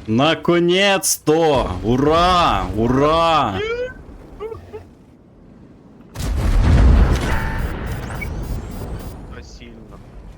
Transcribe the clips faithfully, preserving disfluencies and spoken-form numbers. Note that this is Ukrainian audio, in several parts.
Наконец-то! Ура! Ура! Сильно.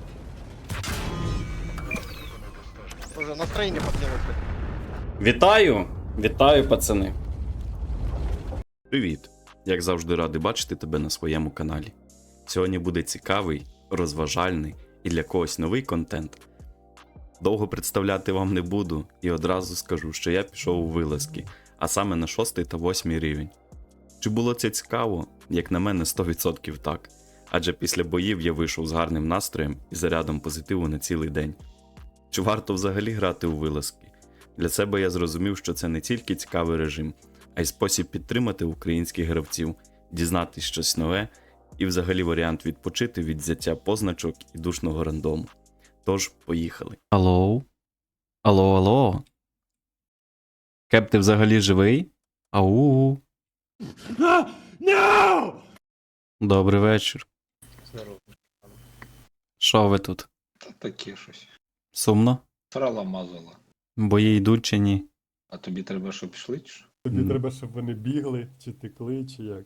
Уже настроение поднялось. Вітаю! Вітаю, пацани! Привіт! Як завжди радий бачити тебе на своєму каналі. Сьогодні буде цікавий, розважальний і для когось новий контент. Довго представляти вам не буду і одразу скажу, що я пішов у вилазки, а саме на шостий та восьмий рівень. Чи було це цікаво? Як на мене, сто відсотків так. Адже після боїв я вийшов з гарним настроєм і зарядом позитиву на цілий день. Чи варто взагалі грати у вилазки? Для себе я зрозумів, що це не тільки цікавий режим, а й спосіб підтримати українських гравців, дізнатись щось нове і взагалі варіант відпочити від взяття позначок і душного рандому. Тож, поїхали. Алло? Алло, алло? Кеп, ти взагалі живий? Ау. No! Добрий вечір. Здорово. Що ви тут? Та таке щось. Сумно? Срала мазала. Бої йдуть чи ні? А тобі треба, щоб пішли, чи що? Тобі Мгм. треба, щоб вони бігли, чи текли, чи як.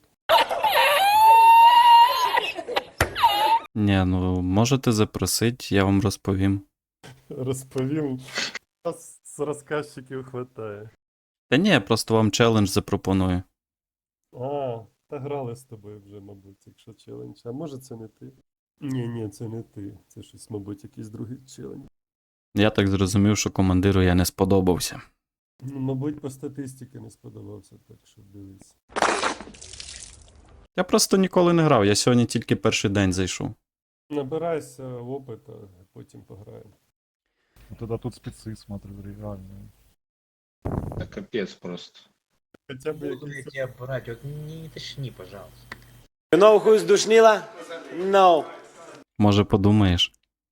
Ні, ну можете запросити, я вам розповім. Розповім. Нас з розказчиків хватає. Та ні, я просто вам челендж запропоную. А, та грали з тобою вже, мабуть, якщо челендж. А може це не ти? Ні, ні, це не ти. Це щось, мабуть, якийсь другий челендж. Я так зрозумів, що командиру я не сподобався. Ну, мабуть, по статистиці не сподобався, так що дивись. Я просто ніколи не грав, я сьогодні тільки перший день зайшов. Набирайся опита, а потім пограємо. Ну, тогда тут спецы, смотрю, реальные. Та капець просто. Хоча б Буду я якийсь... тебя брать, вот не тошни, пожалуйста. You know who's Душнила? No. Може подумаєш.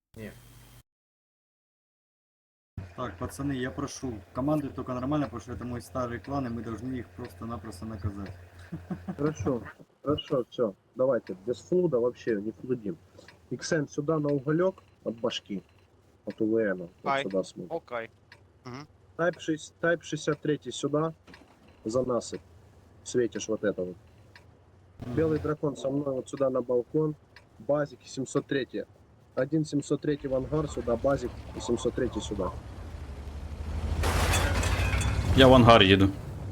Так, пацаны, я прошу, команды только нормально, потому что это мой старый клан, и мы должны их просто-напросто наказать. Хорошо, хорошо, все. Давайте, без флуда вообще не флудим. Иксен сюда на уголек от башки, от УВН, вот Ай. сюда смотрим. Окей. Тайп, шесть, тайп шестьдесят три сюда, за насыпь. Светишь вот это вот. Белый дракон со мной вот сюда на балкон. Базик и семьсот три. Один семьсот три в ангар сюда, базик и семьсот три сюда. Я в ангар їду.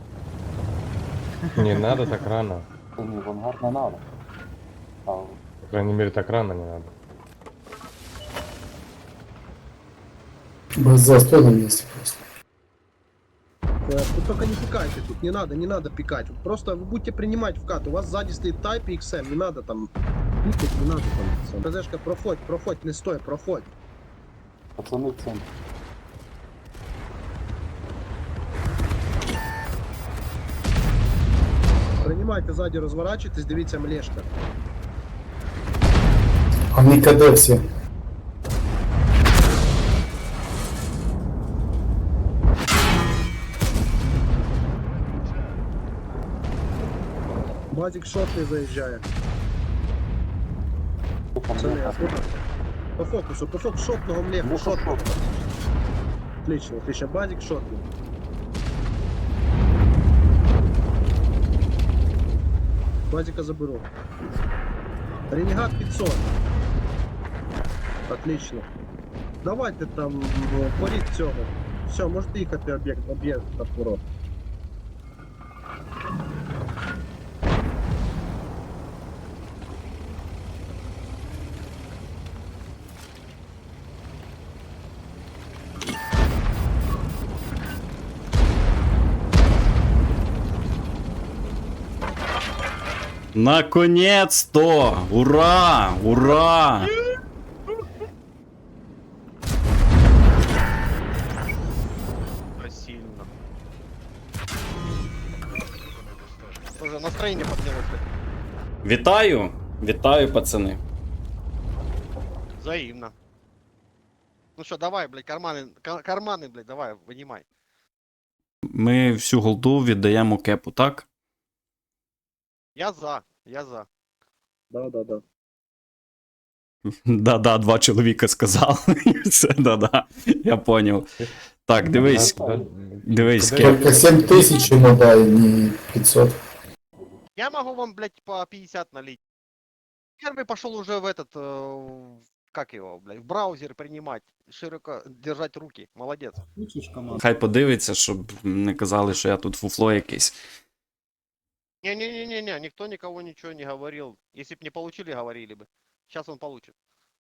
Не надо так рано. Не, в ангар не надо. А, По крайней мере, так рано не надо. Без застоя есть просто. Вы только не пикайте тут, не надо, не надо пикать. Вот просто вы будете принимать вкат. У вас сзади стоит тайп и икс эм, не надо там пикать, не надо там. ТЗшка, проходь, проходь, не стой, проходь. пацаны в центре. Принимайте сзади, разворачивайтесь, дивіться млешка. Они КД все. Базик шотный заезжает. Пацаны, а тут по фокусу, по фокусу шотного млеха, шотного. Отлично, отлично, базик шотный. Базика заберу. Ренегат пятьсот. Отлично. Давайте там э, порить цього. Все, можете їхати об'єкт, об'єкт от ворот. Наконец-то! Ура! Ура! Сильно. Уже настроение поднялось. Вітаю! Вітаю, пацани. Взаимно. Ну что, давай, блядь, карманы, ка- карманы, блядь, давай, вынимай. Ми всю голду віддаємо кепу, так? Я за, я за. Да, да, да. Да-да, два чоловіка сказали. Все, да-да. Я поняв. Так, дивись. Дивись, Кеп. Только семь тысяч ему дай, не пятьсот. Я могу вам, блядь, по пятьдесят налить. Первый пошел уже в этот, э, как его, блядь, в браузер принимать, широко держать руки. Молодец. Слышишь команду? Хай подивиться, щоб не казали, що я тут фуфло якесь. Не-не-не-не, никто никого ничего не говорил. Если бы не получили, говорили бы. Сейчас он получит.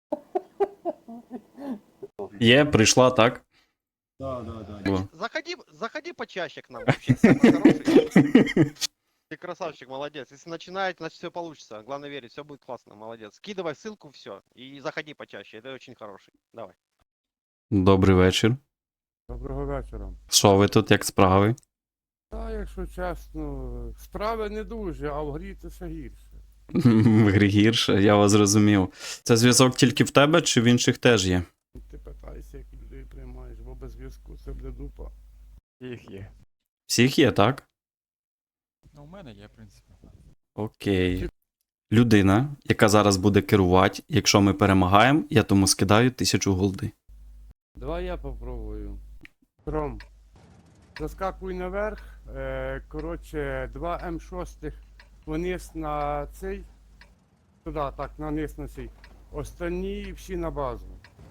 Є, прийшла, так? Да, да, да. О. Заходи, заходи почаще к нам вообще. Самый хороший. Ты красавчик, молодец. Если начинать, значит все получится. Главное верить, все будет классно, молодец. Скидывай ссылку, все. И заходи почаще. Это очень хороший. Давай. Добрий вечір. Доброго вечора. Що ви тут, як справи? Та, якщо чесно, справи не дуже, а в грі це все гірше. В грі гірше, я вас зрозумів. Це зв'язок тільки в тебе чи в інших теж є? Ти питайся, як людей приймаєш, бо без зв'язку це буде дупа. Їх є. Всіх є, так? Ну, у мене є, в принципі. Окей. Людина, яка зараз буде керувати, якщо ми перемагаємо, я тому скидаю тисячу голди. Давай я попробую. Ром, заскакуй наверх. Е, коротше, два ем шість вниз на цей. Туди, так, на низ на цей. Останні всі на базу.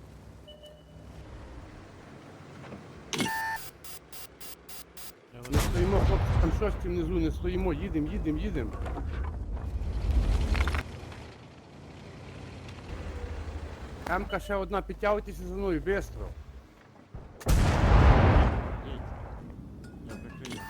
Не стоїмо, хлопці, там шості внизу, не стоїмо, їдемо, їдемо, їдемо. Емка ще одна, підтягуйтеся за мною, швидко. Я прикрию.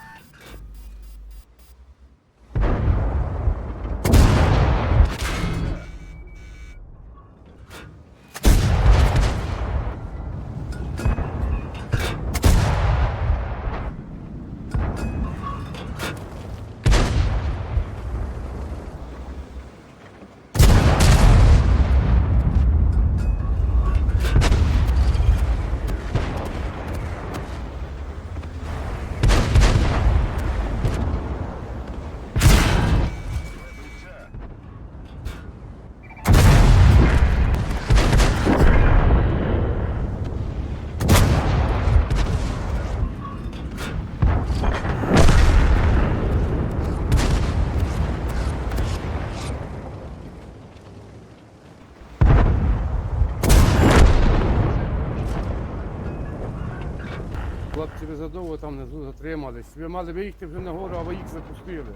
Хлопці, ви задовго там внизу затримались. Ви мали виїхати вже нагору, а ви їх запустили.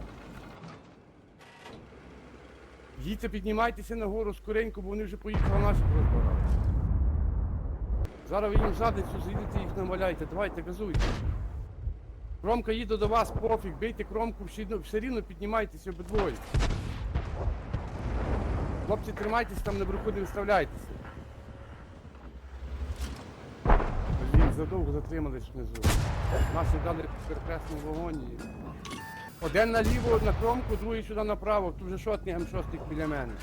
Їдьте, піднімайтеся нагору скоренько, бо вони вже поїхали наші розбирати. Зараз ви їм в задницю зайдете, їх намаляйте. Давайте, газуйте. Кромка їде до вас, пофіг, бийте кромку, все рівно- все рівно піднімайтеся обидвоє. Хлопці, тримайтеся там наверху, не виставляйтеся. Блін, задовго затримались внизу. Наші дали перекресному вогоні. Один наліво на кромку, другий сюди направо. Тут вже шотний ем шість біля мене.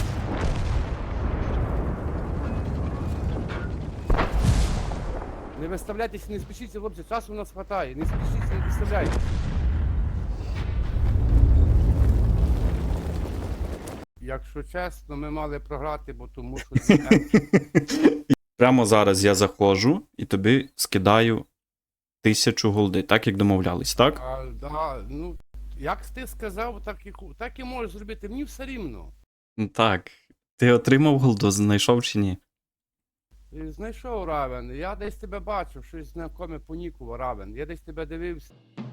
Не виставляйтеся, не спішіться, хлопці, часу у нас хватає. Не спішіться, не виставляйтеся. Якщо чесно, ми мали програти, бо тому що ці ем Прямо зараз я заходжу і тобі скидаю тисячу голди, так як домовлялись, так? А, да, ну, як ти сказав, так і, ху- так і можеш зробити. Мені все рівно. Так. Ти отримав голду, знайшов чи ні? І знайшов Равен. Я десь тебе бачив, щось знакоме понікував Равен. Я десь тебе дивився.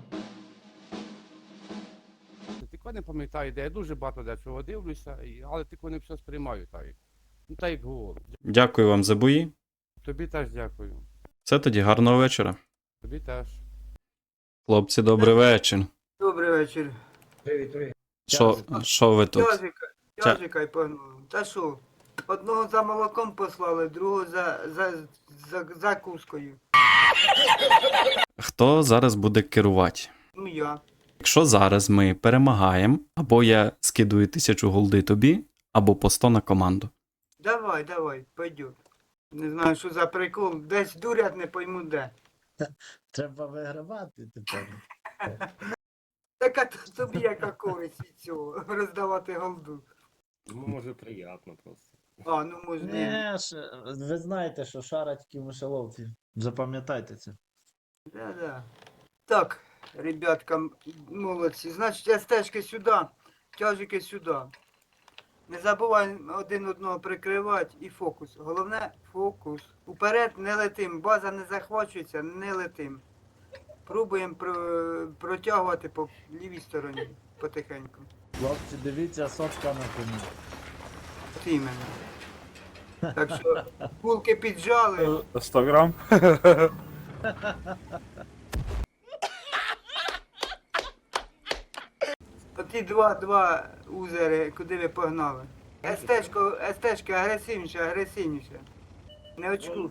Тільки не пам'ятаю, де я дуже багато де чого дивлюся, і- але тільки не все сприймаю так. Ну так як говорю. Дякую вам за бої. Тобі теж дякую. Все тоді, гарного вечора. Тобі теж. Хлопці, добрий вечір. Добрий вечір. Привіт, привіт. Що, що ви тут? Язика, Ця- язика й погнали. Та що? Одного за молоком послали, другого за, за, за закускою. Хто зараз буде керувати? Ну я. Якщо зараз ми перемагаємо, або я скидую тисячу голди тобі, або по сто на команду. Давай, давай, пойдет. Не знаю, що за прикол. Десь дурять, не пойму де. Треба вигравати тепер. Так а то тобі яка користь від цього, роздавати голду. Ну, може, приємно просто. А, ну можливо. Не, ш- ви знаєте, що шара тільки в мишеловці. Запам'ятайте це. Да-да. Так, ребятка, м, молодці. Значить, стежки сюди, тяжики сюди. Не забувай один одного прикривати і фокус. Головне фокус. Уперед не летим. База не захвачується, не летим. Пробуємо про- протягувати по лівій стороні потихеньку. Хлопці, дивіться, сотка на коні. От іменно. Так що булки піджали. сто грам? Оті два, два узери, куди ви погнали. Естечко, естечки агресивніше, агресивніше. Не очку.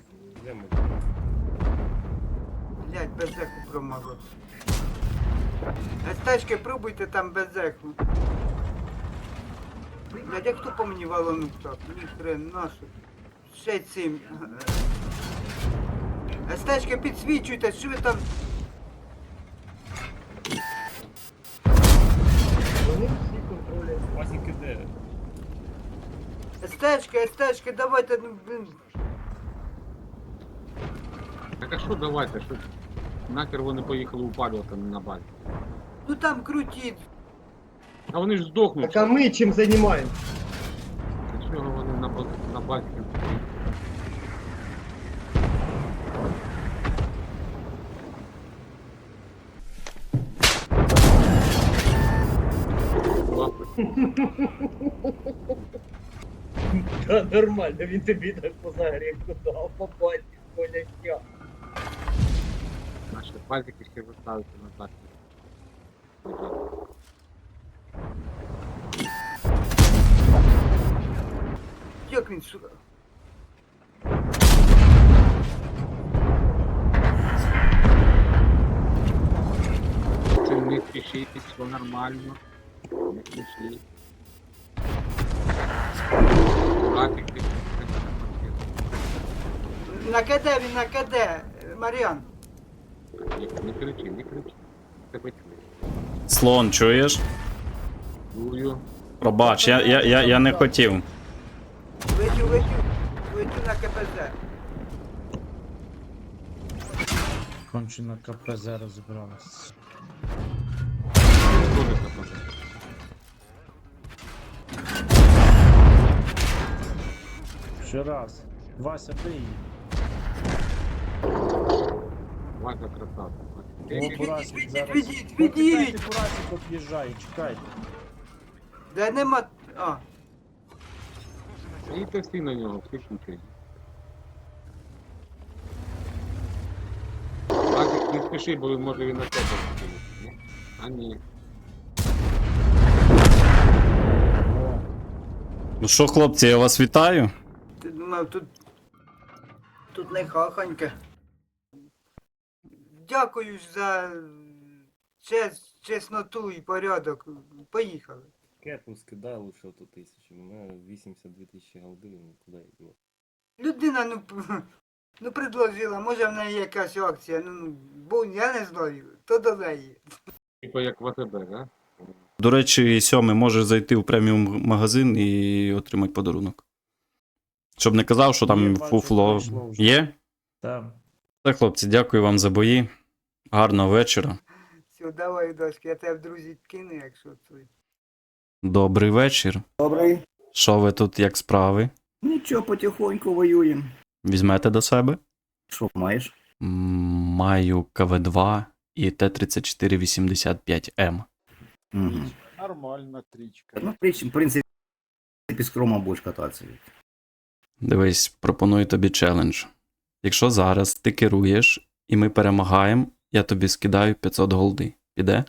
Блять, без зеху промазав. Естечки пробуйте там без зеху. Блять, як хто по мені валонув так? Ні хрен, нашу. Ще цим. Естечки підсвічуйте, що ви там. Естечки, естечки, давайте, ну, блин. Так а що давайте, що нахер вони поїхали упалювати на базі? Ну там крутіть. А вони ж здохнуть. Так а мы чем занимаемся? Для чого вони на, баз- на базі? Да нормально, він тобі так по загрівку дав, попасть, Коля, що? Наші базики ще виставити на базі. Як він сюди? Це не спішіть, все нормально. Не спішіть. Базики. На КД він, на КД, Маріан. Не кричи, не кричи. Тебе чує. Слон, чуєш? Чую. Пробач, я, я, я, я не хотів. Летю, летю, летю на КПЗ. Кончено КПЗ розібралось. Що це таке? Ще раз. Вася, бий її. Вася красавчик. О, Бурасик відійдіть, зараз. відійдіть, Почекайте, відійдіть. Бурасик об'їжджає, чекайте. Де нема. А, І ти всі на нього, всі кучері. Базик, не спіши, бо може він на тебе скинути. А ні. Ну що, хлопці, я вас вітаю. ти думав, тут. Тут не хахоньке. Дякую ж за чес, чесноту і порядок. Поїхали. Кепу скидай лише ту тисячу. У мене вісімдесят дві тисячі голди, ну куди йду. Людина, ну, п- ну предложила, може в неї якась акція, ну, ну, бо я не знаю, то до неї. Типа як в АТБ, да? До речі, сьомий може зайти в преміум магазин і отримати подарунок. Щоб не казав, що Є, там бачу, фуфло. пройшло вже. Є? Там. Так, хлопці, дякую вам за бої. Гарного вечора. Все, давай, дочки, я тебе в друзі кину, якщо це. Добрий вечір. Добрий. Що ви тут, як справи? Нічого, потихоньку воюємо. Візьмете до себе? Що маєш? М, Маю КВ два і Т тридцять чотири вісімдесят п'ять М. Угу. Нормальна трічка. Ну, в принципі, в принципі, з кромом будеш кататися. Дивись, пропоную тобі челендж. Якщо зараз ти керуєш і ми перемагаємо, я тобі скидаю п'ятсот голди. Піде?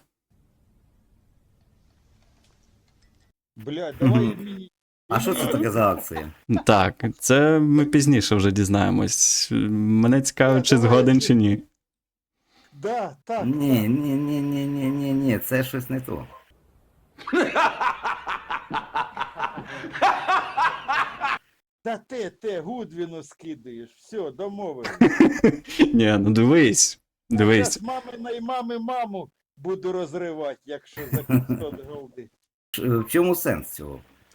Блядь, давай давай мені. А що це таке за акція? Так, це ми пізніше вже дізнаємось. Мене цікаво, чи згоден, чи ні. Да, так. Ні, ні, ні, ні, ні, ні, ні, це щось не то. Та ти, ти, Гудвіну скидаєш. Все, домовились. Ні, ну дивись. Дивись. Зараз мамина і мами маму буду розривати, якщо за п'ятсот голди. Ш- В чому сенс цього?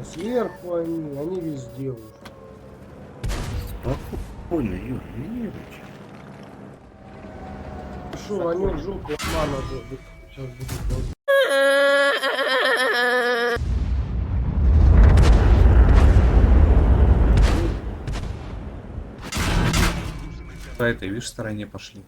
уже сверху они, они везде уже. Спокойно, Юр, Юрич. Шо, они в жопу, мама, сейчас будет. По этой, видишь, стороне пошли.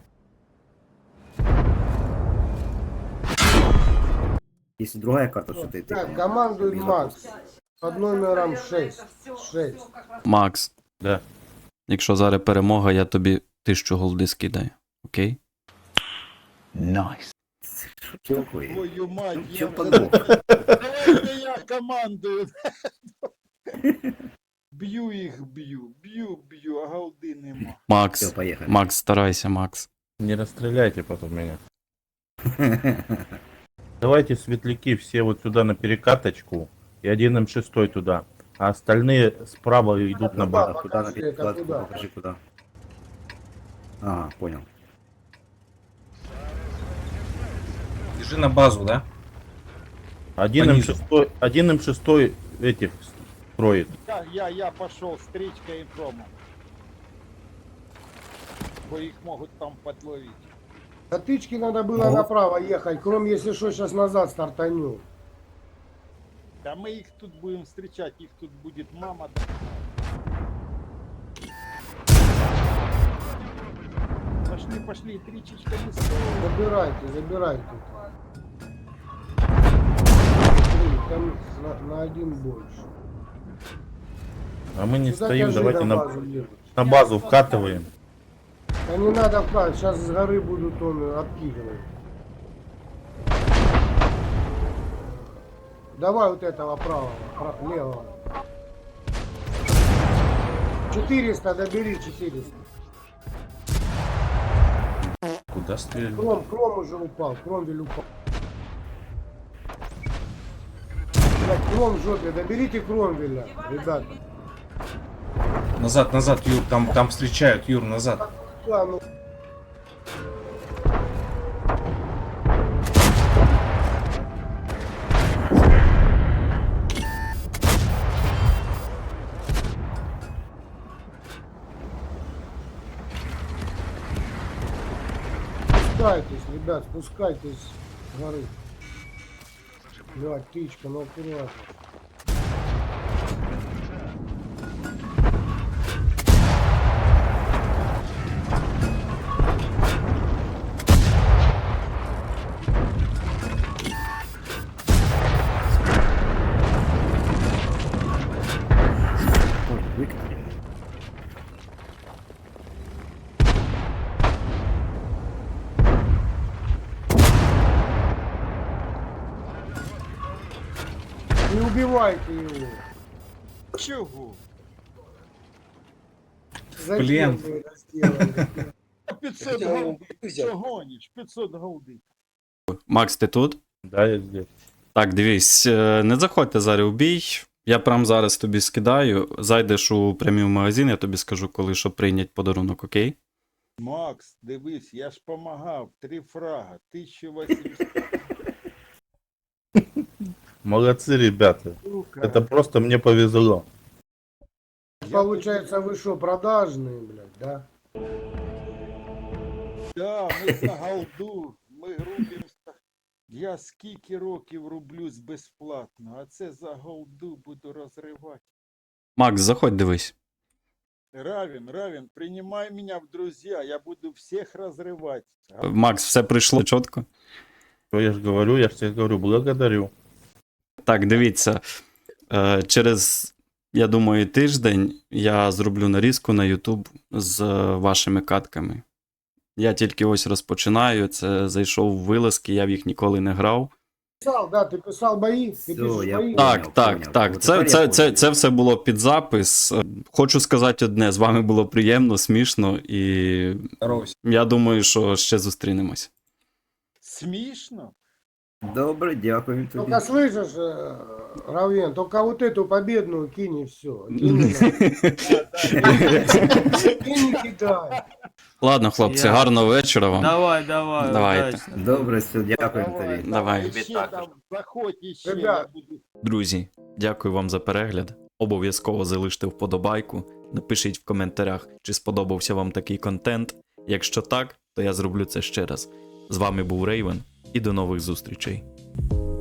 Если другая карта, что ты... ты Так, командует без Макс под номером шесть. шесть. Макс, Да. якщо зараз перемога, я тобі тисячу голди скидаю. Окей? Найс. Что такое? Твою мать, Чё я подох? Давайте я командую. Б'ю їх, б'ю, б'ю, б'ю, а голди нема. Макс, Все, поехали. Макс, старайся, Макс. Не расстреляйте потом меня. Давайте светляки все вот сюда на перекаточку и один эм шесть туда. А остальные справа идут на базу. Куда на Покажи, перекладку, куда. покажи куда. А, понял. Бежи на базу, да? Один эм шесть, один эм шесть этих строит. Я, я, я пошел с стрічкою і промом. Бо їх можуть там подловить. До тычки надо было направо ехать, кроме если что, сейчас назад стартанем. Да ми їх тут будемо зустрічати, їх тут буде мама. Пошли, пошли, тричечка листов. Забирайте, забирайте. Смотри, там на, на один больше. А мы не Сюда стоим, тяжи давайте на на, базу едут. на базу вкатываем. Да не надо вкладывать, сейчас с горы будут он обкидывать. Давай вот этого правого, пра- левого. четыреста, добери четыреста. Куда стрелять? Кром, кром уже упал, кромвель упал. Блядь, кром в жопе, доберите кромвеля, ребята. Назад, назад, Юр, там, там встречают, Юр, назад. Да, ну. Спускайтесь, ребят, спускайтесь с горы. Блядь, птичка, ну аккуратно. Ой, выкинули. Не убивайте его. Чого? Зачем Блин. вы это сделали? п'ятсот голди. Що гониш? п'ятсот голди. Макс, ти тут? Да, я здесь. Так, дивись, е, не заходьте зараз у бій. Я прямо зараз тобі скидаю. Зайдеш у прямий магазин, я тобі скажу, коли що прийнять подарунок, окей? Макс, дивись, я ж помагав. Три фрага. тисяча вісімсот. Молодцы, ребята. Сука. Это просто мне повезло. Получается, вы что, продажные, блядь, да? Да, ми за голду. Ми рубимося. Я скільки років рублюсь безплатно, а це за голду буду розривати. Макс, заходь, дивись. Равен, Равен, принимай меня в друзья, я буду всех разрывать. Макс, все прийшло чітко. То я же говорю, я же тебе говорю, благодарю. Так, дивіться. Е, через, я думаю, тиждень я зроблю нарізку на YouTube з е, вашими катками. Я тільки ось розпочинаю, це зайшов в вилазки, я в їх ніколи не грав. Писал, да, ты писал бои, ты Всё, пишешь я бои. Так, Поняв, так, поняв. так. От Це, тепер це, я це, поняв. це все було під запис. Е, Хочу сказати одне, з вами було приємно, смішно, і Здоровайся. я думаю, що ще зустрінемось. Смешно? Добре, дякую тобі. Только слышишь, э, Равен, только вот эту победную кинь и все. Кинь не кидай. Ладно, хлопці, гарного вечора вам. Давай, давай. Давайте. Добре, все, дякую тобі. Давай. Ще там заходь іще, я Ребят. буду Друзі, Дякую вам за перегляд. Обов'язково залиште вподобайку, напишіть в коментарях, чи сподобався вам такий контент. Якщо так, то я зроблю це ще раз. З вами був Рейвен і до нових зустрічей.